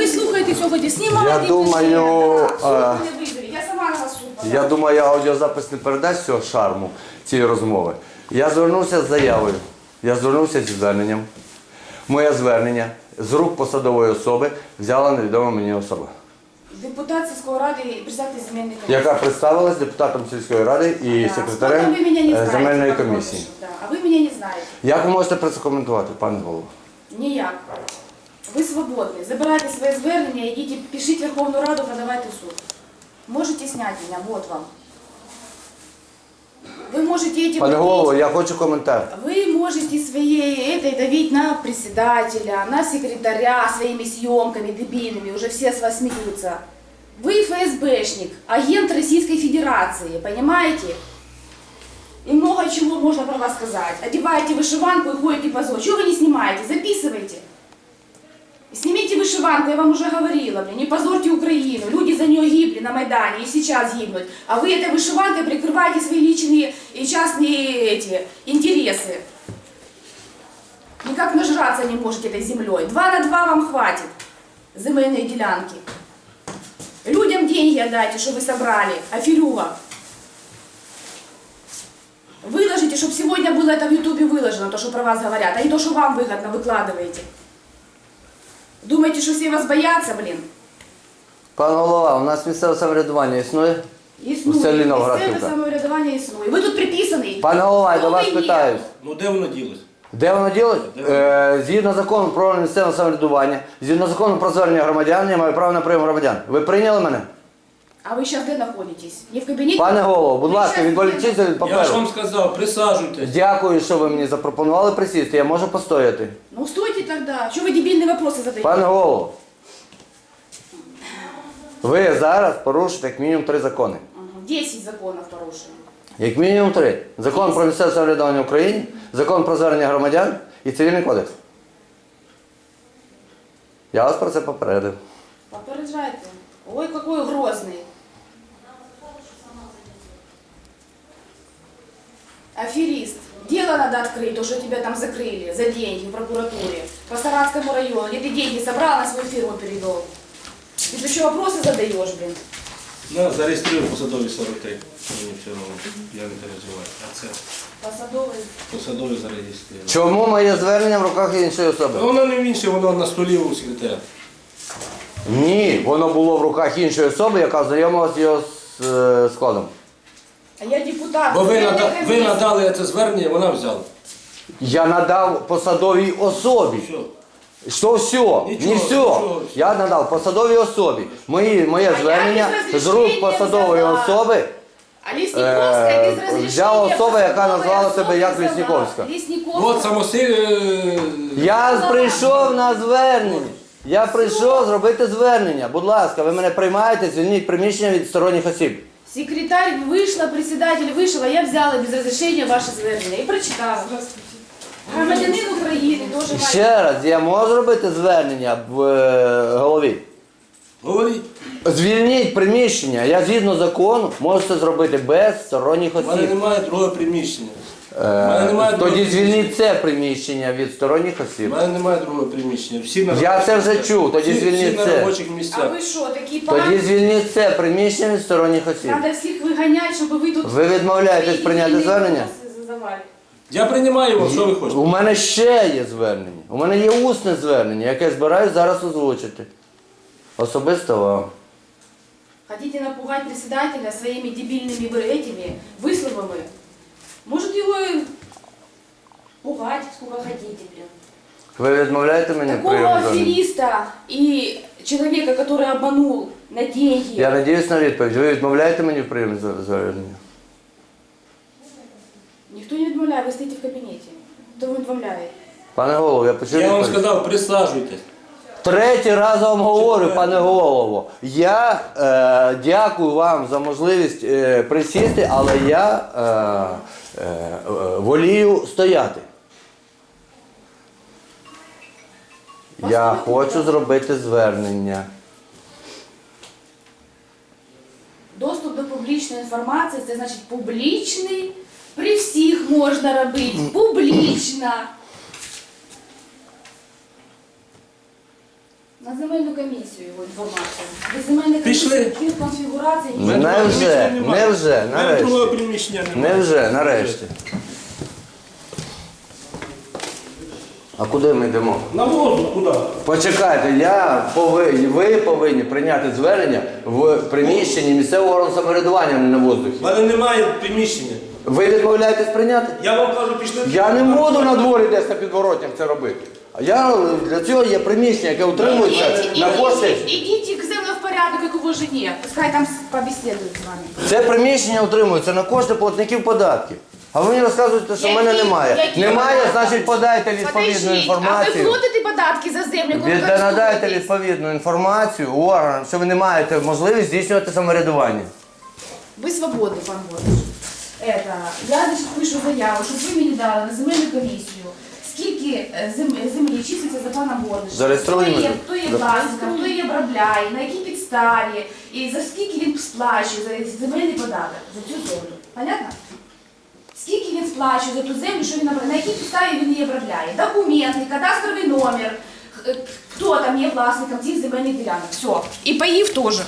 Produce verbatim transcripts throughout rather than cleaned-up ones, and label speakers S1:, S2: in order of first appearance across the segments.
S1: ви слухаєте сьогодні, знімайте.
S2: Я думаю,
S1: да, не визовіть. Я сама на вас суд подам.
S2: Я думаю, аудіозапис не передасть цього шарму цієї розмови. Я звернувся з заявою, я звернувся зі зверненням. Моє звернення з рук посадової особи взяла невідома мені особа.
S1: Депутат сільської ради і председатель земельної комісії.
S2: Яка представилась депутатом сільської ради і
S1: Да.
S2: секретарем
S1: Сколько вы меня не
S2: е,
S1: знаете,
S2: земельної
S1: Павло
S2: комісії.
S1: Ильич, да. А ви мене не знаєте.
S2: Як ви можете про це коментувати, пане голово?
S1: Ніяк. Ви свободні. Забирайте своє звернення, йдіть, пишіть Верховну Раду, подавайте в суд. Можете зняти мене, вот вам. Ви можете этим...
S2: Пане голово, я хочу коментар.
S1: Вы можете своей этой давить на председателя, на секретаря своими съемками дебильными, уже все с вас смеются. Вы ФСБшник, агент Российской Федерации, понимаете? И много чего можно про вас сказать. Одеваете вышиванку и ходите по зону. Чего вы не снимаете? Записывайте. Снимите вышиванку, я вам уже говорила, блин, не позорьте Украину. Люди за нее гибли на Майдане и сейчас гибнут. А вы этой вышиванкой прикрываете свои личные и частные эти интересы. Никак нажраться не можете этой землей. Два на два вам хватит. Земельные делянки. Людям деньги отдайте, что вы собрали. Аферюга. Выложите, чтобы сегодня было это в Ютубе выложено, то, что про вас говорят, а не то, что вам выгодно выкладываете. Думаете, що всі вас бояться, блін?
S2: Пане голова, у нас місцеве самоврядування існує?
S1: Існує.
S2: У селі
S1: Місцеве
S2: Новоградівка.
S1: самоврядування існує. Ви тут приписаний.
S2: Пане голова, я до
S1: Хто
S2: вас
S1: ви є?
S2: питаюсь.
S3: Ну де воно ділось?
S2: Де воно ділить? Е, згідно закону про місцеве самоврядування, згідно закону про звернення громадян, я маю право на прийом громадян. Ви прийняли мене?
S1: А ви зараз де знаходитесь? Не в кабінеті?
S2: Пане голово, будь
S1: Ви
S2: ласка,
S1: щас
S2: відволічіться від
S3: Я ж
S2: паперу.
S3: вам сказав, присаджуйтесь.
S2: Дякую, що ви мені запропонували присісти, я можу постояти.
S1: Ну стойте тогда. Чого ви дебільні вопроси задаєте?
S2: Пане голово, ви зараз порушите як мінімум три закони.
S1: Ага, десять законів порушено.
S2: Як мінімум три. Закон про місцеве самоврядування в Україні, закон про звернення громадян і цивільний кодекс. Я вас про це попередив.
S1: Попереджайте. Ой, какой грозный. Аферист. Дело надо открыть, то, что тебя там закрыли за деньги в прокуратуре. По Саратскому району. Где ты деньги собрал, на свою фирму перевел. Ты еще вопросы задаешь, блин.
S3: На, зареєструю посадові сорок три. Мені все одно, я не переживаю. А це
S1: Посадовый.
S3: посадові зареєструю.
S2: Чому моє звернення в руках іншої особи?
S3: Воно не в інше, воно на столі у секретаря.
S2: Ні, воно було в руках іншої особи, яка знайомилася з його з, е, складом.
S1: А я депутат.
S3: Бо ви,
S1: Я
S3: нада-
S1: не
S3: ви
S1: комиссия.
S3: надали це звернення, вона взяла.
S2: Я надав посадовій особі.
S3: Все.
S2: Що все?
S3: Нічого,
S2: Не все.
S3: нічого.
S2: Я надав посадовій особі. Мої, моє
S1: А я
S2: звернення
S1: без
S2: з рук
S1: розрішення
S2: посадової
S1: взяла.
S2: особи
S1: А Лесниковская
S2: Е,
S1: без разрешения.
S2: взяла особа, яка
S1: посадовой
S2: назвала себе
S1: особи
S2: як
S1: взяла.
S2: Лесниковська.
S1: Лесниковская.
S3: От самосиль... е,
S2: Я прийшов на звернення. Я прийшов зробити звернення. Будь ласка, ви мене приймаєте, звільніть приміщення від сторонніх осіб.
S1: Секретарь вийшла, председатель вийшов, а я взяла без розрішення ваше звернення і прочитала. Громадянин України теж має.
S2: Ще раз, я можу зробити звернення в е, голові.
S3: Говоріть.
S2: Звільніть приміщення. Я згідно закону можу це зробити без сторонніх
S3: У мене
S2: осіб.
S3: немає другого приміщення. У
S2: Е,
S3: мене немає другого
S2: Тоді
S3: приміщення.
S2: звільніть це приміщення від сторонніх
S3: У
S2: осіб.
S3: мене немає другого приміщення. Всі на
S2: Я
S3: робочих
S2: це вже
S3: місцях.
S2: чув, тоді
S3: Всі-
S2: звільніть
S3: всі на
S2: це.
S3: робочих
S1: А
S3: місцях.
S1: ви що, такі
S2: Тоді
S1: погані?
S2: звільніть це приміщення від сторонніх осіб.
S1: Треба всіх виганяти, щоб ви тут...
S2: Ви відмовляєтесь
S1: свої
S2: прийняти
S1: дебільні
S2: звернення?
S1: вопроси задавали.
S3: Я приймаю вас, що ви хочете?
S2: У мене ще є звернення. У мене є усне звернення, яке я збираюсь зараз озвучити. Особисто вам.
S1: Хотите напугать председателя своими дебильными вы- этими высловами? Может его и пугать сколько хотите, блин.
S2: Ви відмовляєте мені в
S1: Такого
S2: прийомі звернення?
S1: афериста и человека, который обманул на деньги.
S2: Я надіюсь на відповідь. Ви відмовляєте мені в прийомі звернення?
S1: Никто не отмовляет, вы стоите в кабинете. Кто вы отмовляет?
S2: Пане голово, я почув
S3: Я вам
S2: відповідь.
S3: сказав, присаджуйтесь.
S2: Третій раз вам говорю,
S3: Четвертий.
S2: пане голово. Я е, дякую вам за можливість е, присісти, але я е, е, е, волію стояти. Я хочу зробити звернення.
S1: Доступ до публічної інформації, це значить публічний, при всіх можна робити, публічно. На земельну комісію його інформацію. Без земельної
S3: Пішли.
S1: комісії конфігурації
S3: У мене
S1: ніякої.
S3: другого
S2: Невже,
S3: приміщення немає.
S2: невже,
S3: У мене другого
S2: нарешті.
S3: приміщення немає.
S2: Невже, нарешті. А куди ми йдемо?
S3: На воздух куди?
S2: Почекайте, я повинні, ви повинні прийняти звернення в приміщенні місцевого органу самоврядування, а не на воздухі.
S3: У мене немає приміщення.
S2: Ви відмовляєтесь прийняти?
S3: Я вам кажу, пішли.
S2: Я не буду на дворі десь на підворотнях це робити. А я для цього є приміщення, яке утримується
S1: Идите,
S2: на кошти.
S1: идите к землю в порядок, как его жене. Пускай там побеседуют с вами.
S2: Це приміщення утримується на кошти платників податків. А ви мені розказуєте, що в мене
S1: Які-
S2: немає.
S1: які
S2: Немає,
S1: податки?
S2: значить подайте відповідну
S1: Подождите, а ви
S2: інформацію.
S1: платите податки за землю, яку ви
S2: Ви надайте
S1: користуєтесь?
S2: відповідну інформацію органам, що ви не маєте можливість здійснювати самоврядування.
S1: Ви свободний, пан Гордиш. Это, я, значить, пишу заяву, щоб ви мені дали на земельну комісію, скільки е, зем- землі числиться за паном Гордишем,
S2: Зареєструємо.
S1: хто є, хто є
S2: Да.
S1: власником, хто її обробляє, на якій підставі, і за скільки він сплачує за земельний податок, за цю землю. Понятно? Скільки він сплачує за ту землю, що він обробляє, на якій підставі він її обробляє. Документи, кадастровий номер, х- хто там є власником цих земельних ділянок. Все. І паїв теж.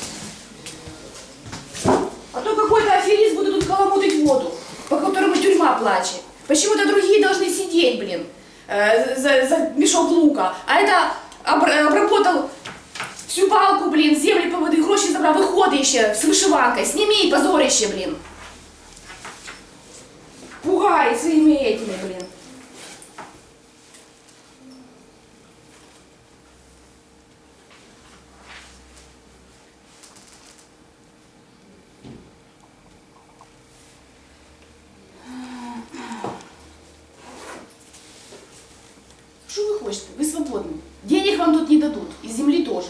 S1: А то какой-то аферист будет тут каламутить воду, по которому тюрьма плачет. Почему-то другие должны сидеть, блин, э, за, за мешок лука. А это обр- обработал всю палку, блин, земли поводи, гроші забрав, виходить ще з вишиванкою. Сними позорище, блин. Пугай своими этими, блин. Что вы хотите? Вы свободны. Денег вам тут не дадут. И земли тоже.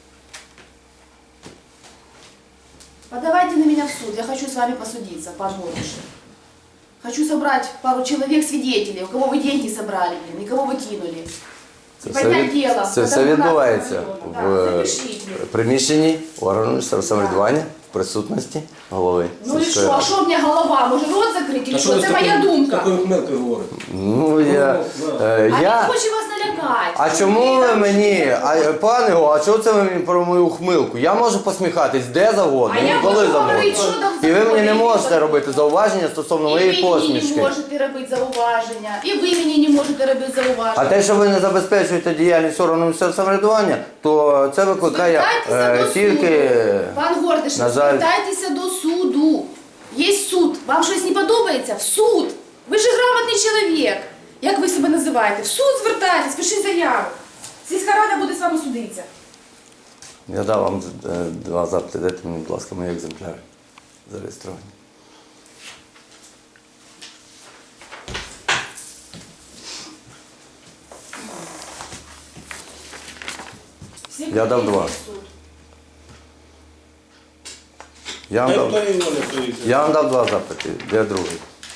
S1: Подавайте на меня в суд. Я хочу с вами посудиться, пан Гордиш. Хочу собрать пару человек свидетелей, у кого вы деньги собрали, блин, и кого вы кинули.
S2: Це
S1: І
S2: все,
S1: поднять
S2: від-
S1: дело.
S2: це все відбувається
S1: Да,
S2: в
S1: запишіть.
S2: приміщенні органу місцевого самоврядування в присутності голови.
S1: Ну і
S2: сільської
S1: що, а
S2: ради.
S1: що в мене голова? Може рот закрити? Чи що? Це моя думка.
S3: Такою хмелкою говорите.
S2: Ну я.
S3: Ну,
S2: е,
S1: А
S2: я...
S1: він хоче вас налякати.
S2: А чому ви мені, а, пане Го, а чого це ви мені про мою ухмилку? Я можу посміхатись де завгодно,
S1: А я
S2: і коли
S1: можу
S2: завгодно.
S1: говорити, що там
S2: І ви мені не
S1: завгодно.
S2: можете робити зауваження стосовно
S1: І
S2: моєї
S1: ви мені
S2: посмішки.
S1: не можете робити зауваження. І ви мені не можете робити
S2: А
S1: зауваження.
S2: те, що ви не забезпечуєте діяльність органу місцевого самоврядування, то це викликає
S1: Звертайтеся
S2: е,
S1: до
S2: тільки.
S1: суду. Пан Гордиш,
S2: на жаль.
S1: звертайтеся до суду. Є суд. Вам щось не подобається? В суд. Ви ж грамотний чоловік. Як ви себе називаєте? В суд звертайтесь, пишіть заяву. Сільська рада буде з вами судитися.
S2: Я дав вам е, два запити, дайте мені, будь ласка, мої екземпляри зареєстровані.
S1: Всі
S2: Я дав
S1: прийдуть
S2: два.
S1: в суд.
S2: Я вам
S3: Та
S2: дав,
S3: хто його не приїде?
S2: я вам дав два запити, де другий?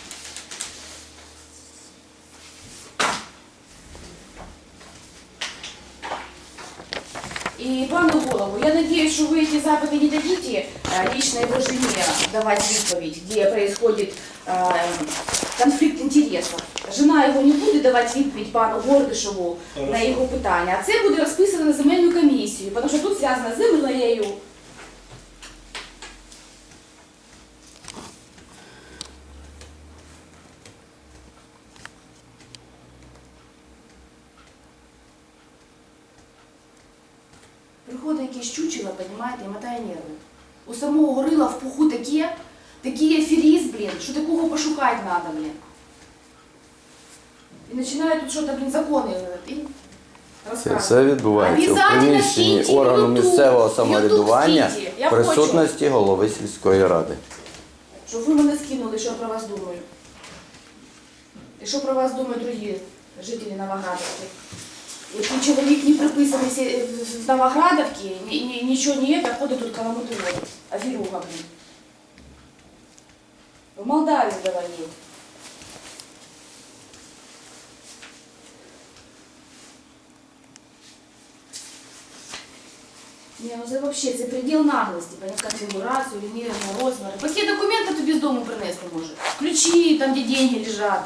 S1: И пану Голову, я надеюсь, что вы эти запады не дадите э, лично его жене давать відповідь, где происходит э, конфликт интересов. Жена його не буде давати відповідь пану Гордишеву на його питання, а це буде розписано на земельну комісію, тому що тут зв'язано з землею. Приходить якесь чучело, понімаєте, і мотає нерви. У самого горила в пуху таке, такий аферіст, блін, що такого пошукати треба, блін. І починає тут щось, блін, закони і
S2: Це
S1: розказувати.
S2: все відбувається у
S1: Обязательно
S2: приміщенні
S1: скиньте
S2: органу
S1: в YouTube.
S2: місцевого
S1: В YouTube
S2: самоврядування
S1: скиньте. Я
S2: в присутності голови сільської ради.
S1: Щоб ви мене скинули, що я про вас думаю. І що про вас думають другі жителі Новоградовки. Який чоловік не приписаний сі- в Новоградовці, ні- ні- нічого не є, ходить тут каламути воду. Аферюга, блін. В Молдавії завалив. Не, ну це вообще, це предел наглості, понять конфігурацію, лінійного розміру. Які документи тобі з дому принести може? Ключі, там, де деньги лежать.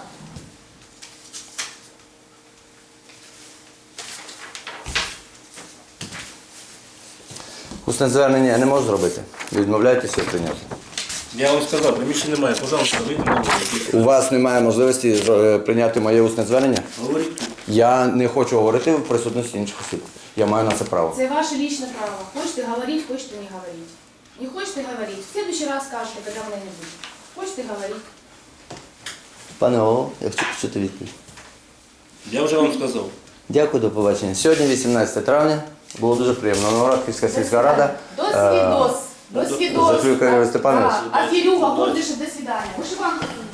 S2: Усне звернення я не можу зробити. Відмовляєтеся прийняти.
S3: Я вам сказав, приміщення немає, пожалуйста, вийдемо на вулицю.
S2: У вас немає можливості е, прийняти моє усне звернення?
S3: Говоріть тут.
S2: Я не хочу говорити в присутності інших осіб. Я маю на це право.
S1: Это ваше личное право. Хочете говорить, хочете не говорить. Не хочете говорить, в следующий раз скажете, когда меня не будет. Хочете говорить.
S2: Пане голово, я хочу почути відповідь.
S3: Я вже вам сказав.
S2: Дякую, до побачення. Сьогодні, вісімнадцяте травня, було дуже приємно. Новоградківська сільська рада.
S1: До свидос. До свидос.
S2: Заклюкає Степанович.
S1: Да. А Кирюха, Гордышев, до свидания. Вышиванка.